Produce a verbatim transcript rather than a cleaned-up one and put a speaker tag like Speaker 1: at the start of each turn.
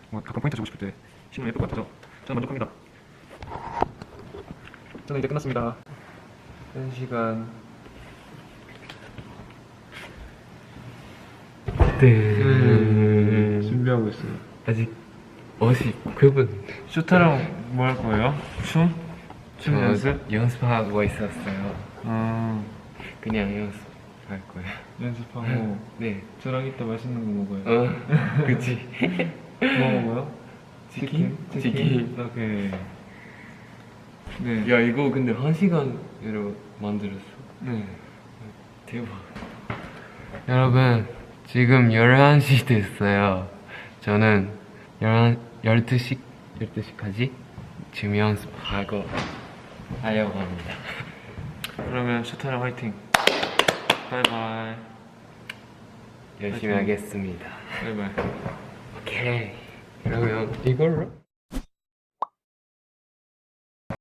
Speaker 1: 뭐 가끔 포인트 주고 싶을 때 신문 예쁠 것 같아서 저는 만족합니다. 저는 이제 끝났습니다. 한 시간.
Speaker 2: 네.
Speaker 1: 준비하고 있어요.
Speaker 2: 아직 오십구 분.
Speaker 1: 쇼타랑 뭐 할 거예요? 춤? 춤
Speaker 2: 저
Speaker 1: 연습?
Speaker 2: 연습하고 있었어요.
Speaker 1: 아,
Speaker 2: 그냥 연습할 거예요.
Speaker 1: 연습하고
Speaker 2: 네.
Speaker 1: 저랑 이따 맛있는 거 먹어요.
Speaker 2: 어, 그치.
Speaker 1: 뭐 먹어요?
Speaker 2: 치킨?
Speaker 1: 치킨?
Speaker 2: 치킨.
Speaker 1: 오케이. 네.
Speaker 2: 야, 이거 근데 한 시간으로 만들었어.
Speaker 1: 네.
Speaker 2: 대박. 여러분, 지금 열한 시 됐어요. 저는 열두 시, 열두 시까지 지금 연습하고 하려고 합니다.
Speaker 1: 그러면 쇼타랑 화이팅. 바이바이.
Speaker 2: 열심히
Speaker 1: 화이팅.
Speaker 2: 하겠습니다.
Speaker 1: 바이바이.
Speaker 2: 오케이. 그러면 이걸로?